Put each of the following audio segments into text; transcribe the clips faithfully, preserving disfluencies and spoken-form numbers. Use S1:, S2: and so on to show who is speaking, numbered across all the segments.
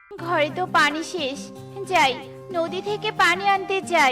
S1: ঘরে তো পানি শেষ, যাই নদী থেকে পানি আনতে যাই।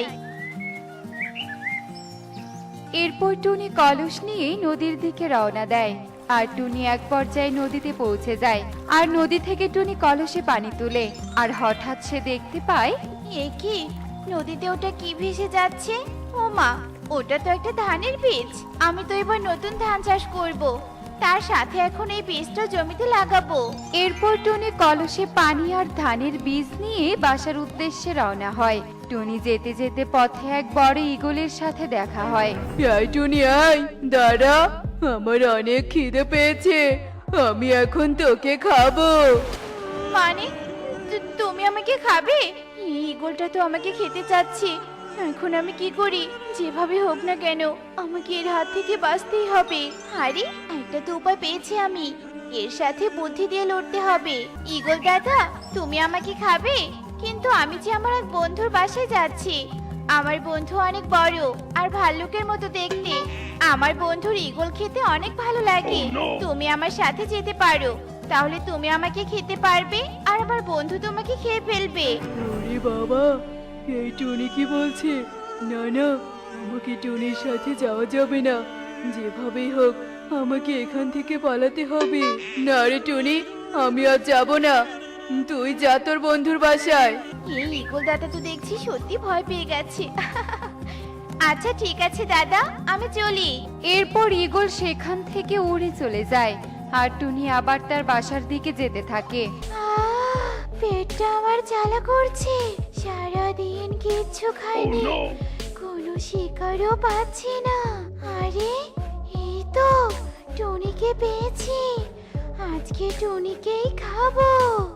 S2: এরপর টুনি কলস নিয়ে নদীর দিকে রওনা দেয়। আর টুনি এক পর্যায়ে নদীতে পৌঁছে যায়। আর নদী থেকে টুনি কলসে পানি তুলে। আর হঠাৎ সে দেখতে পায়
S1: এ কি, নদীতে ওটা কি ভেসে যাচ্ছে? ও মা, ওটা তো একটা ধানের বীজ। আমি তো এবার নতুন ধান চাষ করব, তার সাথে এখন এই বীজটা জমিতে লাগাবো।
S2: এরপর টুনি কলসে পানি আর ধানের বীজ নিয়ে বাসার উদ্দেশ্যে রওনা হয়। টুনি যেতে যেতে পথে এক বড় ঈগলের সাথে দেখা হয়।
S3: এই টুনি, আয় দাঁড়া, আমার অনেক খিদে পেয়েছে, আমি এখন তোকে খাবো।
S1: মানে তু- তুমি আমাকে খাবে? এই ঈগলটা তো আমাকে খেতে চাচ্ছে। এখন আমি কি করি? যেভাবে হোক না কেন আমাকে এর হাত থেকে বাঁচতেই হবে। আরে, একটা তো উপায় পেয়েছি আমি, এর সাথে বুদ্ধি দিয়ে লড়তে হবে। ঈগল দাদা, তুমি আমাকে খাবে? কিন্তু আমি যে আমার এক বন্ধুর বাসায় যাচ্ছি। আমার বন্ধু অনেক বড় আর ভাল্লুকের মতো দেখতে। আমার বন্ধুর ঈগল খেতে অনেক ভালো লাগে। তুমি আমার সাথে যেতে পারো, তাহলে তুমি আমাকে খেতে পারবে আর আমার বন্ধু তোমাকে খেয়ে ফেলবে।
S3: ওরে বাবা, এই টুনি কি বলছে? না না, আমাকে টুনির সাথে যাওয়া যাবে না। যেভাবেই হোক আমাকে এখান থেকে পালাতে হবে। না রে টুনি, আমি আর যাব না, তুই যা তোর বন্ধুর বাসায়।
S1: এই ঈগল দাদা তো দেখছি সত্যি ভয় পেয়ে গেছে। আচ্ছা ঠিক আছে দাদা, আমি চলি।
S2: এরপর ঈগল সেখান থেকে উড়ে চলে যায়। আর টুনি আবার তার বাসার দিকে যেতে থাকে।
S1: আহ, পেটটা আমার জ্বালা করছে, সারাদিন কিচ্ছু খাইনি, কোনো শিকারও পাচ্ছি না। আরে, এই তো টুনিকে পেয়েছি, আজকে টুনিকেই খাবো।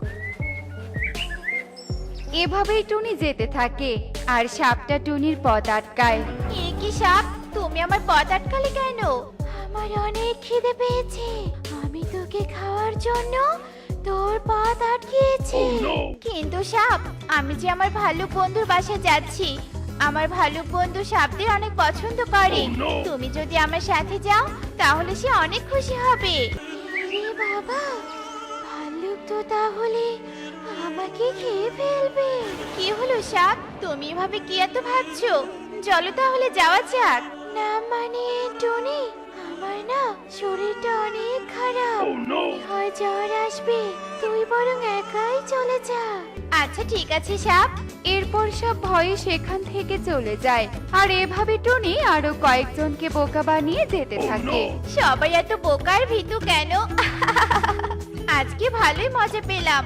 S2: এভাবেই টুনি যেতে থাকে। আর সাপটা টুনির পথ আটকায়।
S1: এ কি সাপ, তুমি আমার পথ আটকালে কেন? আমার অনেক খিদে পেয়েছে, আমি তোকে খাওয়ার জন্য তোর পথ আটকিয়েছি। কিন্তু সাপ, আমি যে আমার ভালুক বন্ধুর বাসায় যাচ্ছি। আমার ভালুক বন্ধু সাপদের অনেক পছন্দ করে। তুমি যদি আমার সাথে যাও তাহলে সে অনেক খুশি হবে। রে বাবা, ভাল্লুক তো তাহলে আমাকে খেয়ে ফেলবে। কি হলো সাপ, তুমি এভাবে কি এত ভাবছো? চলো তাহলে যাওয়া যাক। না মানে টনি, আমার না শরীরটা অনেক খারাপ, মনে হয় জ্বর আসবে। তুই বরং একাই চলে যা। আচ্ছা ঠিক আছে সাপ।
S2: এরপর সব ভয়ে সেখান থেকে চলে যায়। আর এভাবে টুনি আরো কয়েকজনকে বোকা বানিয়ে যেতে থাকে।
S1: সবাই এত বোকার ভীতু কেন? আজকে ভালোই মজা পেলাম।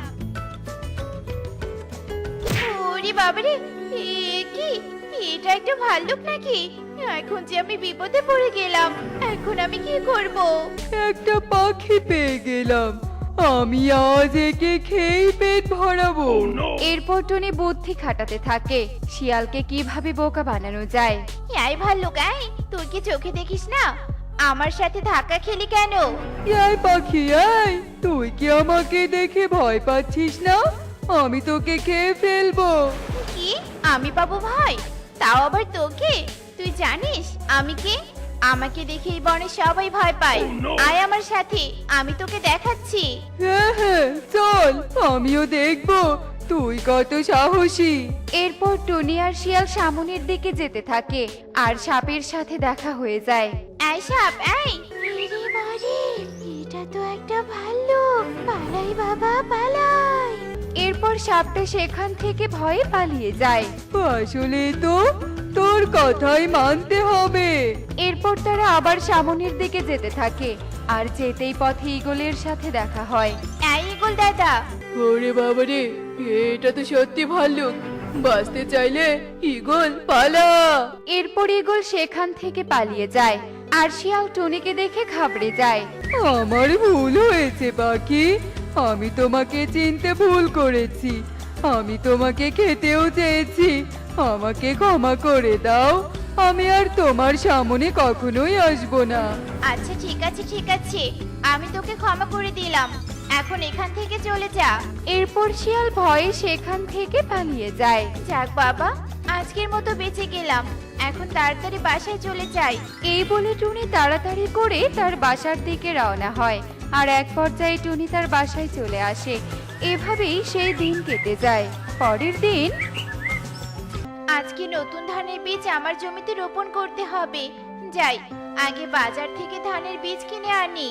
S1: ওরে বাবারে, এ কি, এটা একটা ভাল্লুক নাকি? এখন যে আমি বিপদে পড়ে গেলাম, এখন আমি কি করব?
S3: একটা পাখি পেয়ে গেলাম, আমি আজ একে খেয়েই পেট ভরাবো।
S2: এরপর টুনি বুদ্ধি খাটাতে থাকে শিয়ালকে কিভাবে বোকা বানানো যায়।
S1: এই ভাল্লুক, এই তুই কি চোখে দেখিস না? আমার সাথে ধাক্কা খেলি কেন?
S3: এই পাখি, এই তুই কি আমাকে দেখে ভয় পাচ্ছিস না? আমি তোকে খেয়ে ফেলবো।
S1: কি, আমি পাবো ভয়? তাও আবার তোকে? তুই জানিস আমি কে? আমাকে দেখে এই বনে সবাই ভয় পায়। আয় আমার সাথে, আমি তোকে দেখাচ্ছি।
S3: হ্যাঁ হ্যাঁ চল, আমিও দেখবো তুই কত সাহসী।
S2: এরপর টুনি আর শিয়াল সামনের দিকে যেতে থাকে। আর সাপের সাথে দেখা হয়ে যায়।
S1: এই সাপ, এই! আরে বাড়ি, এটা তো একটা ভাল্লুক। পালাই বাবা, পালাই!
S2: এরপর সাপটা সেখান থেকে ভয়ে পালিয়ে যায়।
S3: আসলে তো তোর কথাই মানতে হবে।
S2: এরপর তারা আবার সামনের দিকে যেতে থাকে। আর যেতেই পথে ঈগলের সাথে দেখা হয়।
S1: এই ঈগল দাদা,
S3: ওরে বাবারে, এটা তো সত্যি ভাল্লুক। বাঁচতে চাইলে ঈগল পালা।
S2: এরপর ঈগল সেখান থেকে পালিয়ে যায়। আর শিয়াল টুনিকে দেখে ঘাবড়ে যায়।
S3: আমার ভুল হয়েছে পাখি, আমি তোমাকে চিনতে ভুল করেছি। আমি তোমাকে খেতেও চেয়েছি, আমাকে ক্ষমা করে দাও। আমি আর তোমার সামনে কখনোই আসবো না।
S1: আচ্ছা ঠিক আছে ঠিক আছে, আমি তোকে ক্ষমা করে দিলাম। এখন এখান থেকে চলে যা।
S2: এরপর শিয়াল ভয়ে সেখান থেকে পালিয়ে যায়।
S1: যাক বাবা, আজকের মতো বেঁচে গেলাম। এখন তাড়াতাড়ি বাসায় চলে যাই।
S2: এই বলে টুনি তাড়াতাড়ি করে তার বাসার দিকে রওনা হয়। আর এক পর্যায়ে টুনি তার বাসায় চলে আসে। এভাবেই সেই দিন কেটে যায়। পরের দিন
S1: আজকে নতুন ধানের বীজ আমার জমিতে রোপণ করতে হবে। যাই, আগে বাজার থেকে ধানের বীজ কিনে আনি।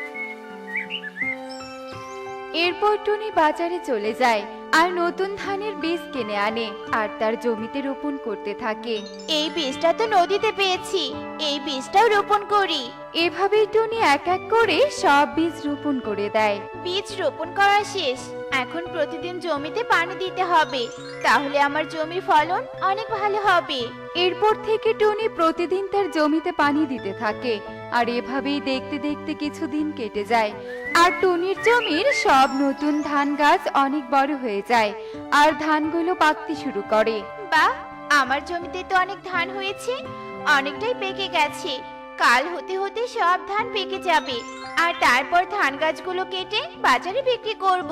S2: এরপর টুনি বাজারে চলে যায় আর নতুন ধানের বীজ কিনে আনে আর তার জমিতে রোপণ করতে থাকে।
S1: এই বীজটা তো নদীতে পেয়েছি, এই বীজটাও রোপণ করি।
S2: এভাবেই টুনি এক এক করে সব বীজ রোপণ করে দেয়।
S1: বীজ রোপণ করা শেষ, এখন প্রতিদিন জমিতে পানি দিতে হবে, তাহলে আমার জমির ফলন অনেক ভালো হবে।
S2: এরপর থেকে টুনি প্রতিদিন তার জমিতে পানি দিতে থাকে আর এভাবেই দেখতে দেখতে কিছুদিন কেটে যায় আর টুনির জমির সব নতুন ধান গাছ অনেক বড় হয়ে যায় আর ধানগুলো পাকতে শুরু করে।
S1: বাহ, আমার জমিতে তো অনেক ধান হয়েছে, অনেকটাই পেকে গেছে। কাল হতে হতে সব ধান পেকে যাবে আর তারপর ধান গাছগুলো কেটে বাজারে বিক্রি করব।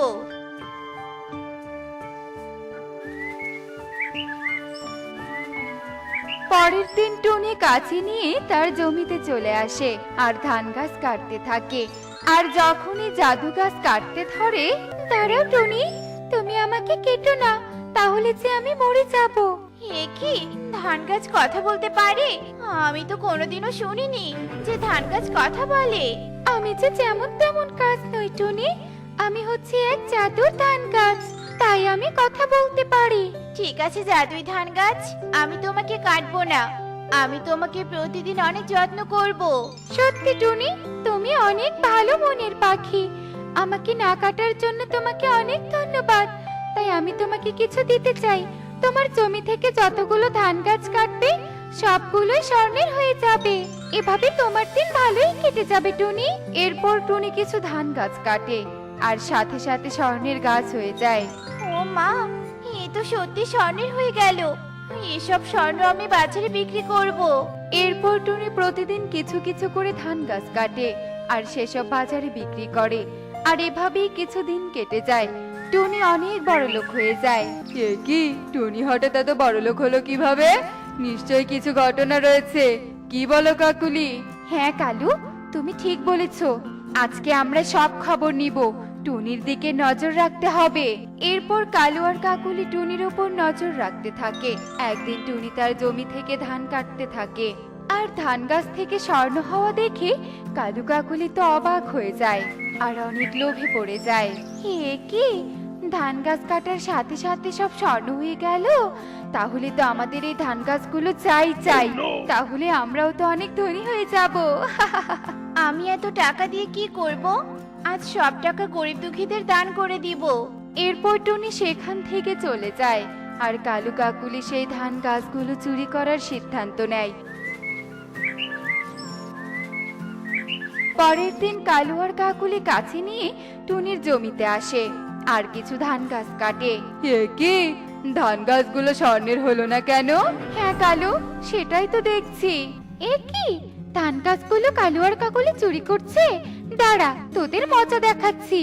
S2: পরের দিন টুনি কাঁচি নিয়ে তার জমিতে চলে আসে আর ধান গাছ কাটতে থাকে। আর যখনই জাদু গাছ কাটতে ধরে, দাঁড়াও টুনি, তুমি আমাকে কেটো না, তাহলে যে আমি মরে যাব।
S1: এ কি, ধান গাছ কথা বলতে পারে? আমি তো কোনোদিনও শুনিনি যে ধান গাছ কথা বলে।
S2: আমি যে যেমন তেমন গাছ নই টুনি, আমি হচ্ছে এক জাদুর ধান গাছ, তাই আমি কথা বলতে পারি।
S1: ঠিক আছে জাদুই ধান গাছ, আমি তোমাকে কাটবো না, আমি তোমাকে প্রতিদিন অনেক যত্ন করব।
S2: সত্যি টুনি, তুমি অনেক ভালো মনের পাখি। আমাকে না কাটার জন্য তোমাকে অনেক ধন্যবাদ। তাই আমি তোমাকে কিছু দিতে চাই। তোমার জমি থেকে যতগুলো ধান গাছ কাটবে সবগুলোই স্বর্ণের হয়ে যাবে। এভাবে তোমার দিন ভালোই কেটে যাবে টুনি। এরপর টুনি কিছু ধান গাছ কাটে আর সাথে সাথে স্বর্ণের গাছ হয়ে যায়।
S1: ও মা, এ তো সত্যি স্বর্ণের হয়ে গেল। এসব স্বর্ণ আমি বাজারে বিক্রি করব।
S2: এরপর টুনি প্রতিদিন কিছু কিছু করে ধান গাছ কাটে আর সেসব বাজারে বিক্রি করে। আর এভাবেই কিছুদিন কেটে যায়। টুনি অনেক বড় লোক হয়ে যায়। এ কি, টুনি হঠাৎ এত বড় লোক হলো কিভাবে? নিশ্চয়ই কিছু ঘটনা রয়েছে। কি বলো কাকুলি? হ্যাঁ কালু, তুমি ঠিক বলেছো। আজকে আমরা সব খবর নিব। টুনির দিকে নজর রাখতে হবে। এরপর কালু আর কাকুলি টুনির উপর নজর রাখতে থাকে। একদিন টুনি তার জমি থেকে ধান কাটতে থাকে আর ধান গাছ থেকে স্বর্ণ হওয়া দেখে কালু কাকুলি তো অবাক হয়ে যায় আর অনেক লোভে পড়ে যায়। হে কি, ধান গাছ কাটার সাথে সাথে সব স্বর্ণ হয়ে গেল? তাহলে তো আমাদের এই ধান গাছগুলো চাই চাই, তাহলে আমরাও তো অনেক ধনী হয়ে যাব।
S1: আমি এত টাকা দিয়ে কি করব? আজ সব টাকা গরিব দুঃখীদের দান করে দিব।
S2: এরপর টুনি সেখান থেকে চলে যায় আর কালু কাকুলি সেই ধান গাছগুলো চুরি করার সিদ্ধান্ত নেয়। পরের দিন কালু আর কাকুলি কাছে নিয়ে টুনির জমিতে আসে আর কিছু ধান গাছ কাটে। এ কি, ধান গাছগুলো স্বর্ণের হলো না কেন? হ্যাঁ কালু, সেটাই তো দেখছি। এ কি, ধান গাছগুলো কালু আর কাকুলি চুরি করছে? দাঁড়া, তোদের মজা দেখাচ্ছি।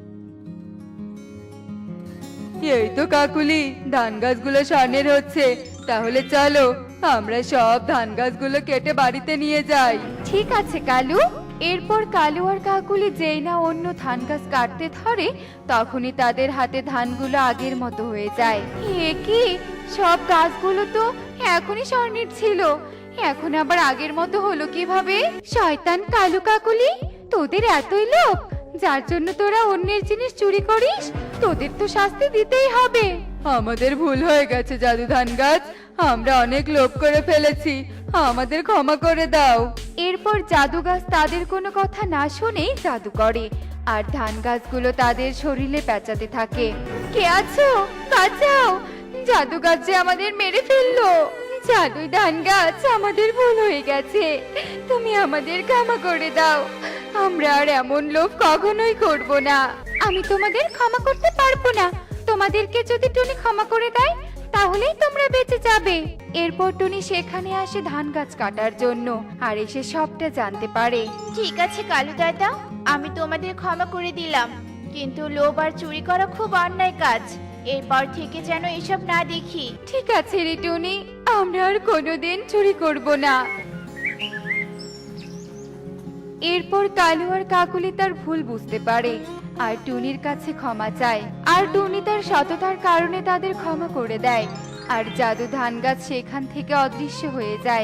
S2: এই তো কাকুলি, ধান গাছগুলো স্বর্ণের হচ্ছে। তাহলে চলো আমরা সব ধান গাছগুলো কেটে বাড়িতে নিয়ে যাই। ঠিক আছে কালু। এরপর কালু আর কাকুলি যেই না অন্য ধান গাছ কাটতে ধরে, তখনই তাদের হাতে ধানগুলো আগের মতো হয়ে যায়। এ কি, সব গাছগুলো তো এখনই স্বর্ণের ছিল, এখন আবার আগের মতো হলো কিভাবে? শয়তান কালু কাকুলি, তোদের এতই লোভ যার জন্য তোরা অন্যের জিনিস চুরি করিস? তোদের তো শাস্তি দিতেই হবে। আমাদের ভুল হয়ে গেছে জাদু ধান গাছ, আমরা অনেক লোভ করে ফেলেছি, আমাদের ক্ষমা করে দাও। এরপর জাদু গাছ তাদের কোনো কথা না শুনেই জাদু করে আর ধান গাছগুলো তাদের শরীরে পেঁচাতে থাকে। কে আছো, বাঁচাও, জাদু গাছ যে আমাদের মেরে ফেললো। জাদুই ধান গাছ, আমাদের ভুল হয়ে গেছে, তুমি আমাদের ক্ষমা করে দাও। আমরা আর এমন লোভ কখনোই করব না। আমি তোমাদের ক্ষমা করতে পারবো না। তোমাদেরকে যদি টুনি ক্ষমা করে দেয় তাহলেই তোমরা বেঁচে যাবে। এরপর টুনি সেখানে আসে ধান গাছ কাটার জন্য আর এসে সবটা জানতে পারে।
S1: ঠিক আছে কালু দাদা, আমি তোমাদের ক্ষমা করে দিলাম, কিন্তু লোভ আর চুরি করা খুব অন্যায় কাজ। এরপর থেকে যেন এসব না দেখি।
S2: ঠিক আছে রে টুনি, আমরা আর কোনোদিন চুরি করব না। এরপর কালু আর কাকুলি তার ভুল বুঝতে পারে আর টুনির কাছে ক্ষমা চায়, আর টুনি তার সততার কারণে তাদের ক্ষমা করে দেয়, আর জাদু ধান গাছ সেখান থেকে অদৃশ্য হয়ে যায়।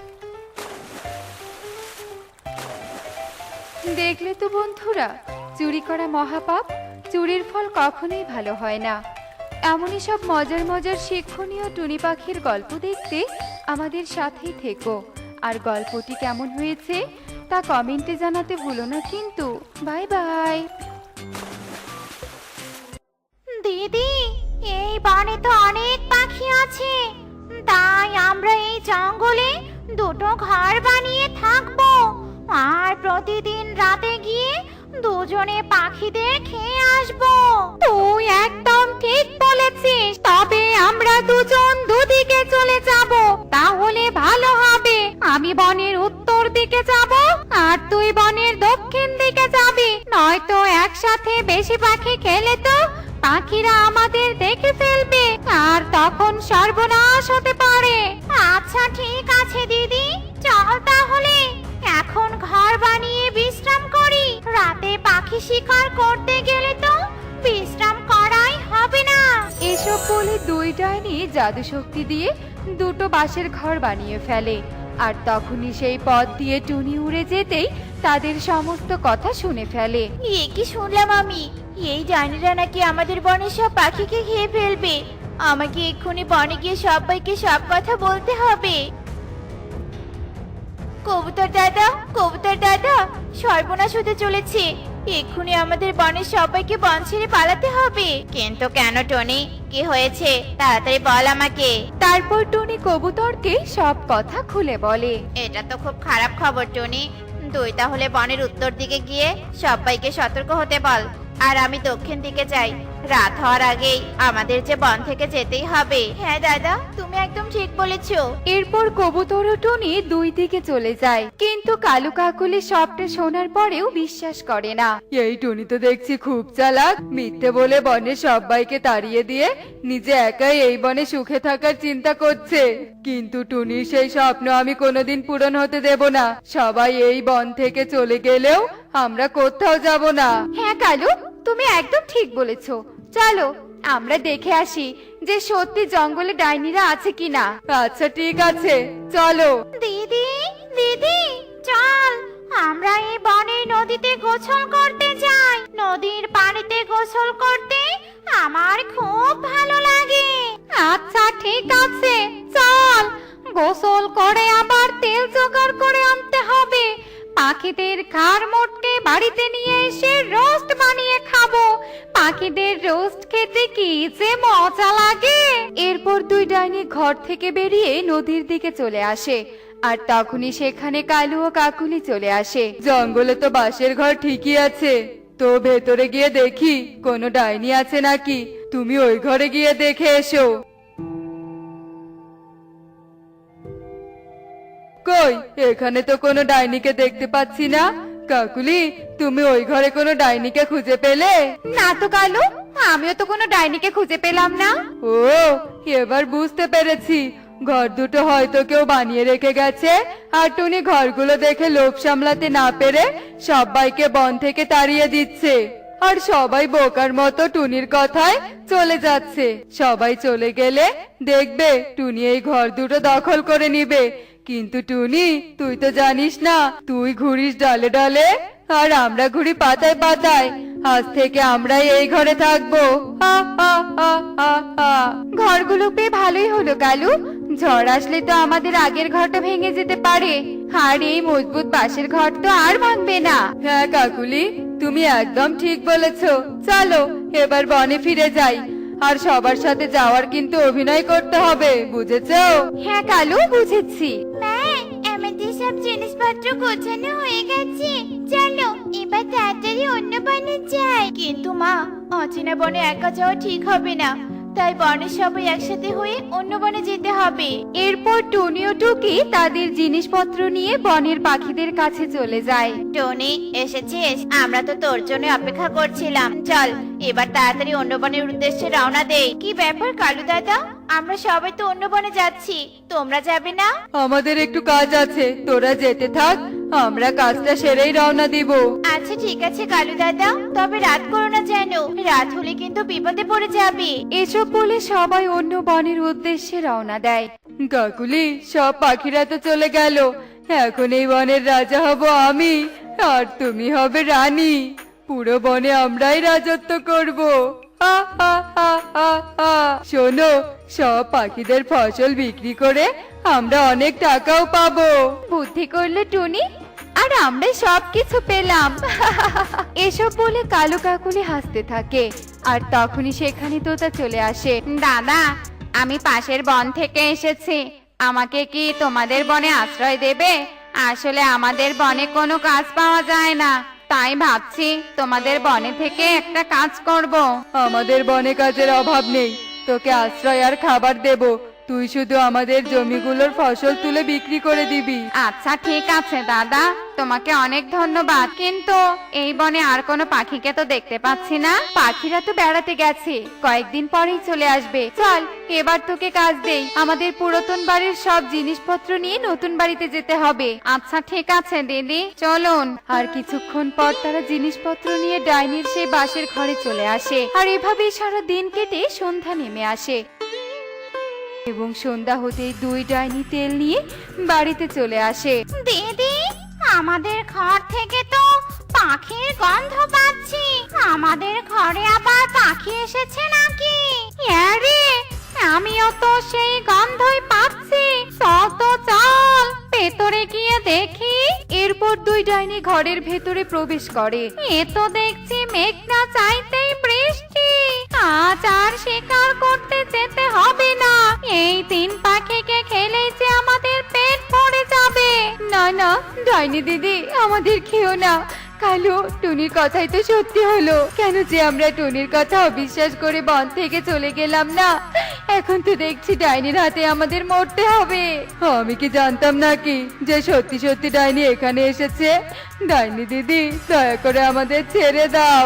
S2: দেখলে তো বন্ধুরা, চুরি করা মহাপাপ, চুরির ফল কখনোই ভালো হয় না। এমনই সব মজার মজার শিক্ষণীয় টুনি পাখির গল্প দেখতে আমাদের সাথেই থেকো। আর গল্পটি কেমন হয়েছে তা কমেন্টে জানাতে ভুলো না কিন্তু। Bye bye.
S1: দিদি, এই বনে তো অনেক পাখি আছে, তাই আমরা এই জঙ্গলে দুটো ঘর বানিয়ে থাকবো, আর প্রতিদিন রাতে গিয়ে দুজনে পাখিদের খেয়ে আসবো। তুই একদম ঠিক বলেছিস, তবে আমরা দুজন দুদিকে চলে যাব, তাহলে ভালো হবে। আমি বনের উত্তর দিকে যাব আর তুই বনের দক্ষিণ দিকে যাবি, নয়তো একসাথে বেশি পাখি খেলে তো পাখিরা আমাদের দেখে ফেলবে আর তখন সর্বনাশ হতে পারে। আচ্ছা ঠিক আছে দিদি, চল তাহলে এখন ঘর বানিয়ে বিশ্রাম করি, রাতে পাখি শিকার করতে গেলে তো বিশ্রাম করাই হবে না।
S2: এসব বলে দুই ডাইনি জাদু শক্তি দিয়ে দুটো বাঁশের ঘর বানিয়ে ফেলে, আর তখনই সেই পথ দিয়ে টুনি উড়ে যেতেই তাদের সমস্ত কথা শুনে ফেলে।
S1: এ কি শুনলাম আমি, এই ডাইনিরা নাকি আমাদের বনের সব পাখিকে খেয়ে ফেলবে। আমাকে এক্ষুনি বনে গিয়ে সবাইকে সব কথা বলতে হবে। কবুতর দাদা, কবুতর দাদা, সর্বনাশ হতে চলেছে, এক্ষুনি আমাদের বনের সবাইকে বন ছেড়ে পালাতে হবে। কিন্তু কেন টনি, কি হয়েছে তাড়াতাড়ি বল আমাকে।
S2: তারপর টুনি কবুতরকে সব কথা খুলে বলে।
S1: এটা তো খুব খারাপ খবর টনি, তুই তাহলে বনের উত্তর দিকে গিয়ে সবাইকে সতর্ক হতে বল, আর আমি দক্ষিণ দিকে যাই। রাত হওয়ার আগেই আমাদের যে বন থেকে যেতেই হবে। হ্যাঁ দাদা, তুমি একদম ঠিক বলেছো।
S2: এরপর কবুতর ও টুনি দুই দিকে চলে যায়, কিন্তু কালু কাকুলি সবটা শোনার পরেও বিশ্বাস করে না। এই টুনি তো দেখছি খুব চালাক, মিথ্যে বলে বনে সবাইকে তাড়িয়ে দিয়ে নিজে একাই এই বনে সুখে থাকার চিন্তা করছে। কিন্তু টুনির সেই স্বপ্ন আমি কোনোদিন পূরণ হতে দেব না। সবাই এই বন থেকে চলে গেলেও আমরা কোথাও যাব না। হ্যাঁ কালু, তুমি একদম ঠিক বলেছো। চলো আমরা দেখে আসি যে সত্যি জঙ্গলে ডাইনিরা আছে কিনা। আচ্ছা ঠিক আছে, চলো।
S1: দিদি, দিদি, চল আমরা এই বনের নদীতে গোসল করতে যাই। নদীর পানিতে গোসল করতে আমার খুব ভালো লাগে। আচ্ছা ঠিক আছে, চল। গোসল করে আবার তেল জোগাড় করে আনতে হবে। পাখিদের ঘাড় মোটকে বাড়িতে নিয়ে এসে রোস্ট বানিয়ে খাবো। পাখিদের রোস্ট খেতে কি যে মজা লাগে।
S2: এরপর দুই ডাইনি ঘর থেকে বেরিয়ে নদীর দিকে চলে আসে, আর তখনই সেখানে কালু ও কাকুলি চলে আসে। জঙ্গলে তো বাঁশের ঘর ঠিকই আছে, তো ভেতরে গিয়ে দেখি কোনো ডাইনি আছে নাকি। তুমি ওই ঘরে গিয়ে দেখে এসো। কই, এখানে তো কোনো ডাইনিকে দেখতে পাচ্ছি না। কাকুলি, তুমি ওই ঘরে কোনো ডাইনিকে খুঁজে পেলে?
S1: না তো কালু, আমিও তো কোনো ডাইনিকে খুঁজে পেলাম না।
S2: ও, এবার বুঝতে পেরেছি, ঘর দুটো হয়তো কেউ বানিয়ে রেখে গেছে, আর টুনি ঘরগুলো দেখে লোভ সামলাতে না পেরে সবাইকে বন থেকে তাড়িয়ে দিচ্ছে, আর সবাই বোকার মতো টুনির কথায় চলে যাচ্ছে। সবাই চলে গেলে দেখবে টুনি এই ঘর দুটো দখল করে নিবে। কিন্তু টুনি, তুই তো জানিস না, তুই ঘুরিস ডালে ডালে আর আমরা ঘুরি পাতায় পাতায়। আজ থেকে আমরাই এই ঘরে থাকবো। হা হা হা হা হা। ঘরগুলো পেয়ে ভালোই হলো কালু, ঝড় আসলে তো আমাদের আগের ঘরটা ভেঙে যেতে পারে, আর এই মজবুত বাঁশের ঘর তো আর ভাঙবে না। হ্যাঁ কাকুলি, তুমি একদম ঠিক বলেছো। চলো এবার বনে ফিরে যাই, আর সবার সাথে যাওয়ার কিন্তু অভিনয় করতে হবে, বুঝেছো? হ্যাঁ কালু, বুঝেছি।
S1: মা, আমাদের সব জিনিসপত্র গোছানো হয়ে গেছে, চলো এবার তাড়াতাড়ি অন্য বনে যাই। কিন্তু মা, অচেনা বনে একা যাওয়া ঠিক হবে না, তাই বনের সবাই একসাথে হয়ে অন্য বনে যেতে হবে।
S2: এরপর টুনি ও টুকি তাদের জিনিসপত্র নিয়ে বনের পাখিদের কাছে চলে যায়।
S1: টনি, এসেছিস? আমরা তো তোর জন্য অপেক্ষা করছিলাম। চল এবার তাড়াতাড়ি অন্য বনের উদ্দেশ্যে রওনা দেই। কি ব্যাপার কালু দাদা, আমরা সবাই তো অন্য বনে যাচ্ছি, তোমরা যাবে না?
S2: আমাদের একটু কাজ আছে, তোরা যেতে থাক, আমরা কাজটা সেরেই রওনা দিব।
S1: আচ্ছা ঠিক আছে কালু দাদা, তবে রাত করো না যেন, রাত হলে কিন্তু বিপদে পড়ে যাবে।
S2: এসব বলে সবাই অন্য বনের উদ্দেশ্যে রওনা দেয়। কাকুলি, সব পাখিরা তো চলে গেল, এখন এই বনের রাজা হব আমি, আর তুমি হবে রানী। পুরো বনে আমরাই রাজত্ব করব। হা, হা, হা, হা, হা। শোনো, সব পাখিদের ফসল বিক্রি করে আমরা অনেক টাকাও পাবো।
S1: বুদ্ধি করলো টুনি, আর আমরা সবকিছু পেলাম।
S2: এসব বলে কালো কাকুলি হাসতে থাকে, আর তখনই সেখানে তোতা চলে আসে।
S1: দাদা, আমি পাশের বন থেকে এসেছি, আমাকে কি তোমাদের বনে আশ্রয় দেবে? আসলে আমাদের বনে কোনো কাজ পাওয়া যায় না, তাই ভাবছি তোমাদের বনে থেকে একটা কাজ করব।
S2: আমাদের বনে কাজের অভাব নেই, তোকে আশ্রয় আর খাবার দেব, তুই শুধু আমাদের জমিগুলোর ফসল তুলে বিক্রি করে দিবি।
S1: আচ্ছা ঠিক আছে দাদা, তোমাকে অনেক ধন্যবাদ, কিন্তু এই বনে আর কোনো পাখিকে তো দেখতে পাচ্ছি না।
S2: পাখিরা তো বেড়াতে গেছে, কয়েকদিন পরেই চলে আসবে। চল এবার তোকে কাজ দেই, আমাদের পুরাতন বাড়ির সব জিনিসপত্র নিয়ে নতুন বাড়িতে যেতে হবে।
S1: আচ্ছা ঠিক আছে দিদি, চলুন।
S2: আর কিছুক্ষণ পর তারা জিনিসপত্র নিয়ে ডাইনির সেই বাসের ঘরে চলে আসে, আর এভাবেই সারা দিন কেটে সন্ধ্যা নেমে আসে। এবং সন্ধ্যা হতেই দুই ডাইনি তেল নিয়ে বাড়িতে চলে আসে।
S1: দিদি, আমাদের ঘর থেকে তো পাখির গন্ধ পাচ্ছি, আমাদের ঘরে আবার পাখি এসেছে নাকি? আরে, আমিও তো সেই গন্ধই পাচ্ছি, চল তো চল, ভেতরে গিয়ে দেখি।
S2: এরপর দুই ডাইনি ঘরের ভেতরে প্রবেশ করে।
S1: এ তো দেখছি মেঘ না চাইতেই বৃষ্টি, আজ আর শিকার করতে যেতে হবে না, এই তিন পাখিকে খেলেই যে আমাদের পেট ভরে যাবে।
S2: না না ডাইনি দিদি, আমাদের খেও না। কালু, টুনির কথাই তো সত্যি হলো। কেন যে আমরা টুনির কথা অবিশ্বাস করে বন থেকে চলে গেলাম না, এখন তো দেখছি ডাইনির হাতে আমাদের মরতে হবে। আমি কি জানতাম নাকি যে সত্যি সত্যি ডাইনি এখানে এসেছে? ডাইনি দিদি, দয়া করে আমাদের ছেড়ে দাও।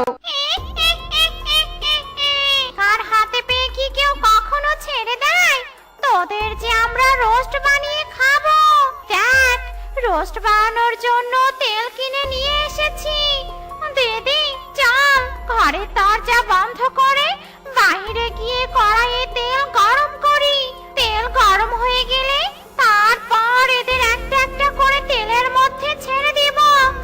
S1: কার হাতে পেয়ে কি কেউ কখনো ছেড়ে দেয়? তোদের যে আমরা রোস্ট বানিয়ে খাবো। দেখ, রোস্ট বানানোর জন্য তেল কিনে নিয়ে এসেছি। দিদি চল, ঘরের দরজা বন্ধ করে বাইরে গিয়ে কড়াইয়ে তেল গরম করি। তেল গরম হয়ে গেলে তারপর এদের একটা একটা করে তেলের মধ্যে ছেড়ে দিব।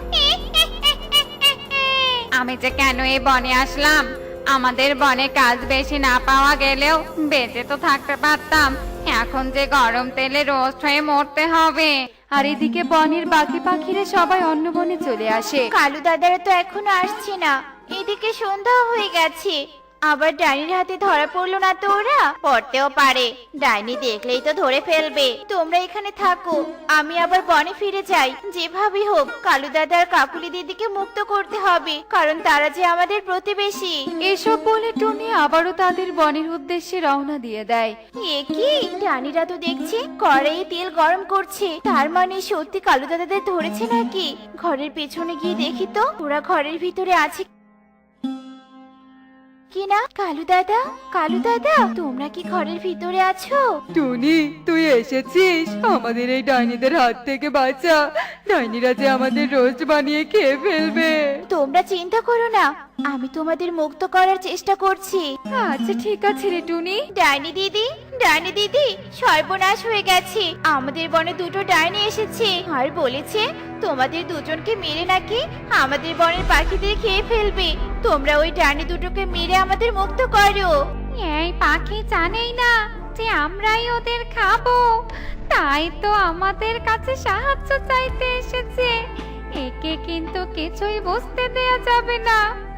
S1: আমি যে কেন এই বনে আসলাম, আমাদের বনে কাজ বেশি না পাওয়া গেলেও বেঁচে তো থাকতে পারতাম, এখন যে গরম তেলে রোস্ট হয়ে মরতে হবে।
S2: আর এদিকে বনের বাকি পাখিরা সবাই অন্য বনে চলে আসে।
S1: কালু দাদারা তো এখনো আসছে না, এদিকে সন্ধ্যা হয়ে গেছে, আবার ডাইনির হাতে ধরা পড়লো না তো ওরা? পড়তেও পারে, ডাইনি দেখলেই তো ধরে ফেলবে। তোমরা এখানে থাকো, আমি আবার বনে ফিরে যাই। যেভাবে হোক কালু দাদা আর কাকুলি দিদিকে মুক্ত করতে হবে, কারণ তারা যে আমাদের প্রতিবেশী।
S2: এসব বলে টুনি আবারও তাদের বনের উদ্দেশ্যে রওনা দিয়ে দেয়।
S1: এ কি, ডাইনিরা তো দেখছি কড়াইয়ে তেল গরম করছে, তার মানে সত্যি কালু দাদাদের ধরেছে নাকি? ঘরের পেছনে গিয়ে দেখি তো ওরা ঘরের ভিতরে আছে কিনা। কালু দাদা, কালু দাদা, তোমরা কি ঘরের ভিতরে আছো?
S2: টুনি, তুই এসেছিস, আমাদের এই ডাইনিদের হাত থেকে বাঁচা, ডাইনিরা যে আমাদের রোস্ট বানিয়ে খেয়ে ফেলবে।
S1: তোমরা চিন্তা করো না, আমি তোমাদের মুক্ত করার চেষ্টা করছি।
S2: আচ্ছা ঠিক আছে রে টুনি।
S1: ডাইনি দিদি, ডাইনি দিদি, সর্বনাশ হয়ে গেছে, আমাদের বনে দুটো ডাইনি এসেছে আর বলেছে তোমাদের দুজনকে মেরে নাকি আমাদের বনের পাখিদের খেয়ে ফেলবে। তোমরা ওই ডাইনি দুটোকে মেরে আমাদের মুক্ত করো। এই পাখি জানেই না যে আমরাই ওদের খাবো, তাই তো আমাদের কাছে সাহায্য চাইতে এসেছে। একে কিন্তু কিছুই বুঝতে দেয়া যাবে না।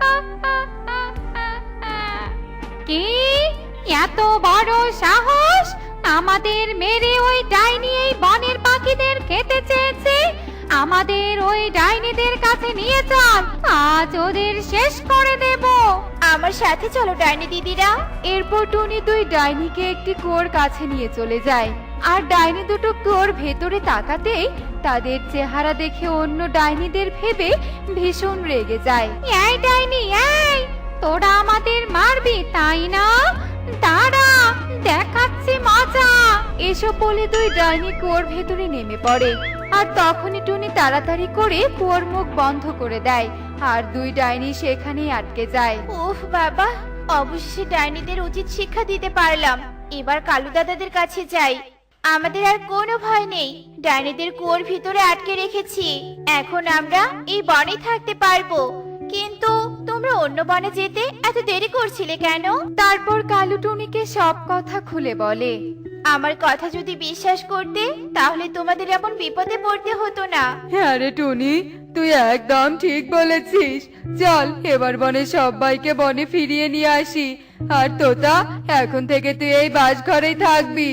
S1: কি এত বড় সাহস, আমাদের মেরে ওই ডাইনি এই বনের পাখিদের খেতে চেয়েছে? আমাদের ওই ডাইনিদের কাছে নিয়ে চল, আজ ওদের শেষ করে দেব। আমার সাথে চলো ডাইনি দিদিরা।
S2: এরপর টুনি দুই ডাইনিকে একটি কুয়োর কাছে নিয়ে চলে যায়, আর ডাইনি দুটো কুয়োর ভেতরে তাকাতেই তাদের চেহারা দেখে অন্য ডাইনিদের ভেবে ভীষণ রেগে যায়।
S1: এই ডাইনি, এই তোরা আমাদের মারবি তাই না? দাঁড়া, দেখাচ্ছি মজা।
S2: এসব বলে দুই ডাইনি কুয়োর ভেতরে নেমে পড়ে, আর তখনই টুনি তাড়াতাড়ি করে কুয়োর মুখ বন্ধ করে দেয় আর দুই ডাইনি সেখানেই আটকে যায়।
S1: উফ বাবা, অবশেষে ডাইনিদের উচিত শিক্ষা দিতে পারলাম। এবার কালু দাদাদের কাছে যাই। আমাদের আর কোনো ভয় নেই, ডাইনিদের কুয়োর ভিতরে আটকে রেখেছি। এখন আমরা এই বনে থাকতে পারবো। কিন্তু তোমরা অন্য বনে যেতে এত দেরি করছিলে কেন?
S2: তারপর কালু টুনিকে সব কথা খুলে বলে।
S1: আমার কথা যদি বিশ্বাস করতে তাহলে তোমাদের এমন বিপদে পড়তে হতো না।
S2: হ্যাঁ রে টুনি, তুই একদম ঠিক বলেছিস। চল এবার বনে সবাইকে বনে ফিরিয়ে নিয়ে আসি। আর তোতা, এখন থেকে তুই এই বাসঘরেই থাকবি।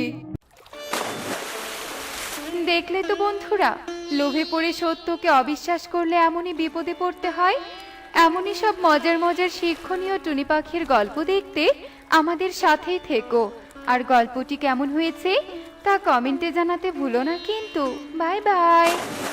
S2: দেখলে তো বন্ধুরা, লোভে পড়ে সত্যকে অবিশ্বাস করলে এমনই বিপদে পড়তে হয়। এমনই সব মজার মজার শিক্ষণীয় টুনি পাখির গল্প দেখতে আমাদের সাথেই থেকো। আর গল্পটি কেমন হয়েছে তা কমেন্টে জানাতে ভুলো না কিন্তু। Bye by.